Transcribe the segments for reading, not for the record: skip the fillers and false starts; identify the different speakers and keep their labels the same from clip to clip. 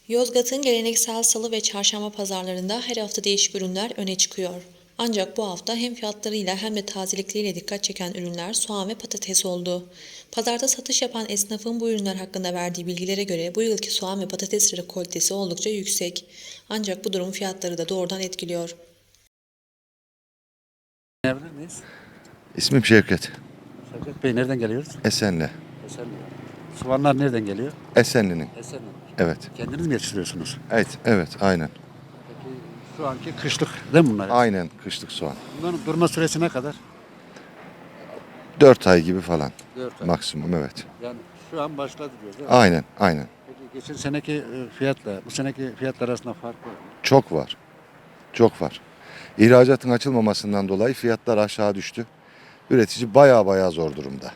Speaker 1: Yozgat'ın geleneksel salı ve çarşamba pazarlarında her hafta değişik ürünler öne çıkıyor. Ancak bu hafta hem fiyatlarıyla hem de tazelikleriyle dikkat çeken ürünler soğan ve patates oldu. Pazarda satış yapan esnafın bu ürünler hakkında verdiği bilgilere göre bu yılki soğan ve patates rekoltesi oldukça yüksek. Ancak bu durum fiyatları da doğrudan etkiliyor.
Speaker 2: Tanıyabilir miyiz?
Speaker 3: İsmim Şevket.
Speaker 2: Şevket Bey nereden geliyoruz?
Speaker 3: Esenli.
Speaker 2: Esenli. Soğanlar nereden geliyor?
Speaker 3: Esenli'nin.
Speaker 2: Esenli.
Speaker 3: Evet.
Speaker 2: Kendiniz mi yetiştiriyorsunuz?
Speaker 3: Evet, aynen.
Speaker 2: Peki şu anki kışlık değil mi bunlar?
Speaker 3: Aynen kışlık soğan.
Speaker 2: Bunların durma süresi ne kadar?
Speaker 3: 4 ay gibi falan
Speaker 2: 4 ay.
Speaker 3: maksimum, evet.
Speaker 2: Yani şu an başladı diyoruz değil mi?
Speaker 3: Aynen.
Speaker 2: Peki geçen seneki fiyatla bu seneki fiyatlar arasında fark var mı?
Speaker 3: Çok var. İhracatın açılmamasından dolayı fiyatlar aşağı düştü. Üretici baya zor durumda.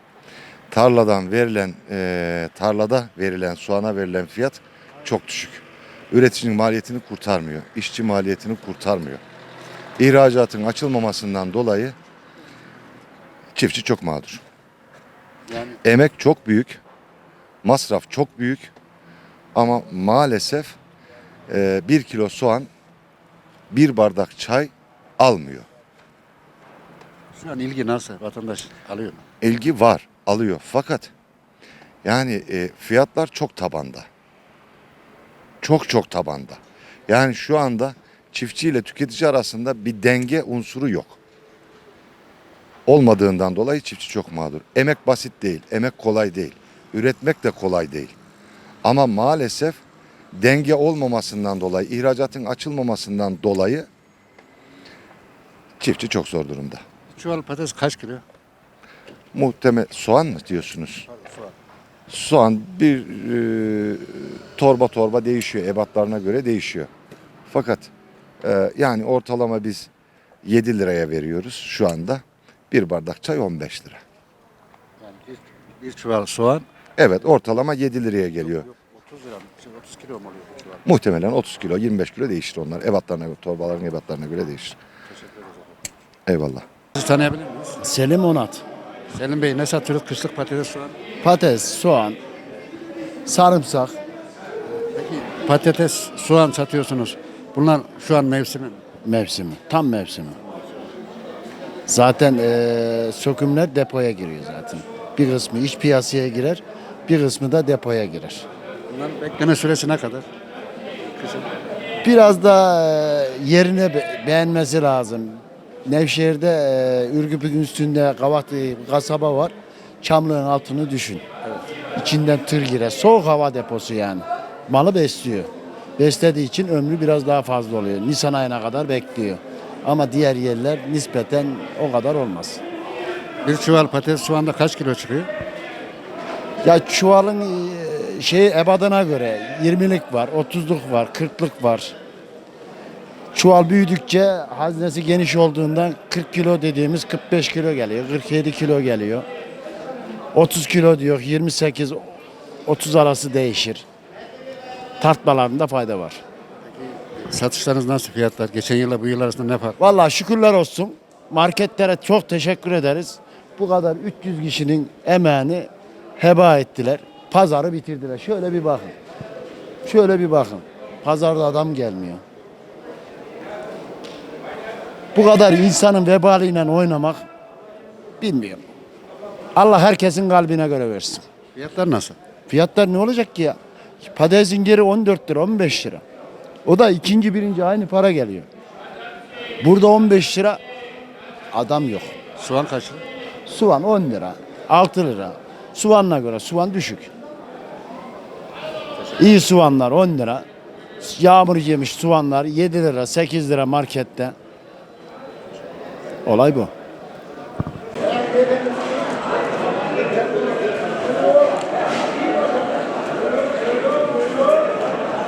Speaker 3: Tarlada verilen soğana verilen fiyat çok düşük. Üreticinin maliyetini kurtarmıyor. İşçi maliyetini kurtarmıyor. İhracatın açılmamasından dolayı çiftçi çok mağdur.
Speaker 2: Yani
Speaker 3: Emek çok büyük, masraf çok büyük ama maalesef 1 kilo soğan 1 bardak çay almıyor.
Speaker 2: şu an ilgi nasıl? Vatandaş alıyor mu?
Speaker 3: İlgi var, alıyor fakat yani fiyatlar çok tabanda. Çok tabanda. Yani şu anda çiftçi ile tüketici arasında bir denge unsuru yok. Olmadığından dolayı çiftçi çok mağdur. Emek basit değil, emek kolay değil. Üretmek de kolay değil. Ama maalesef denge olmamasından dolayı, ihracatın açılmamasından dolayı çiftçi çok zor durumda.
Speaker 2: Çuval patates kaç kilo?
Speaker 3: Muhtemel soğan mı diyorsunuz?
Speaker 2: Soğan.
Speaker 3: Soğan bir torba değişiyor, ebatlarına göre değişiyor. Fakat yani ortalama biz 7 liraya veriyoruz şu anda. Bir bardak çay 15 lira.
Speaker 2: Yani bir çuval soğan.
Speaker 3: Evet, ortalama 7 liraya geliyor.
Speaker 2: Yok, 30 lira mı? 30 kilo mu oluyor bu çuval?
Speaker 3: Muhtemelen 30 kilo, 25 kilo değişir onlar. Ebatlarına göre, torbaların ebatlarına göre değişir.
Speaker 2: Teşekkür ederiz.
Speaker 3: Eyvallah.
Speaker 2: Sizi tanıyabilir miyiz?
Speaker 4: Selim Onat.
Speaker 2: Selim Bey ne satıyoruz? Kışlık patates soğan.
Speaker 4: Patates, soğan, sarımsak.
Speaker 2: Peki patates, soğan satıyorsunuz. Bunlar şu an mevsimi mi?
Speaker 4: Mevsimi. Tam mevsimi. Zaten sökümler depoya giriyor zaten. Bir kısmı iç piyasaya girer, bir kısmı da depoya girer.
Speaker 2: Bunların bekleme süresi ne kadar? Kışın.
Speaker 4: Biraz da yerine beğenmesi lazım. Nevşehir'de Ürgüp'ün üstünde Kavak diye bir kasaba var. Çamlığın altını düşün. İçinden tır girer. Soğuk hava deposu yani. Malı besliyor. Beslediği için ömrü biraz daha fazla oluyor. Nisan ayına kadar bekliyor. Ama diğer yerler nispeten o kadar olmaz.
Speaker 2: Bir çuval patates soğanda kaç kilo çıkıyor?
Speaker 4: Ya çuvalın ebadına göre 20'lik var, 30'luk var, 40'lık var. Çuval büyüdükçe haznesi geniş olduğundan 40 kilo dediğimiz 45 kilo geliyor, 47 kilo geliyor. 30 kilo diyor, 28 30 arası değişir. Tartmalarında fayda var.
Speaker 2: Satışlarınız nasıl fiyatlar? Geçen yılla bu yıl arasında ne fark?
Speaker 4: Vallahi şükürler olsun. Marketlere çok teşekkür ederiz. Bu kadar 300 kişinin emeğini heba ettiler. Pazarı bitirdiler. Şöyle bir bakın. Şöyle bir bakın. Pazarda adam gelmiyor. Bu kadar insanın vebaliyle oynamak bilmiyorum. Allah herkesin kalbine göre versin.
Speaker 2: Fiyatlar nasıl?
Speaker 4: Fiyatlar ne olacak ki ya? Patatesin geri 14 lira, 15 lira. O da ikinci, birinci aynı para geliyor. Burada 15 lira adam yok.
Speaker 2: Soğan kaç lira?
Speaker 4: Soğan 10 lira, 6 lira. Soğanına göre soğan düşük. İyi soğanlar 10 lira. Yağmur yemiş soğanlar 7 lira, 8 lira markette. Olay bu.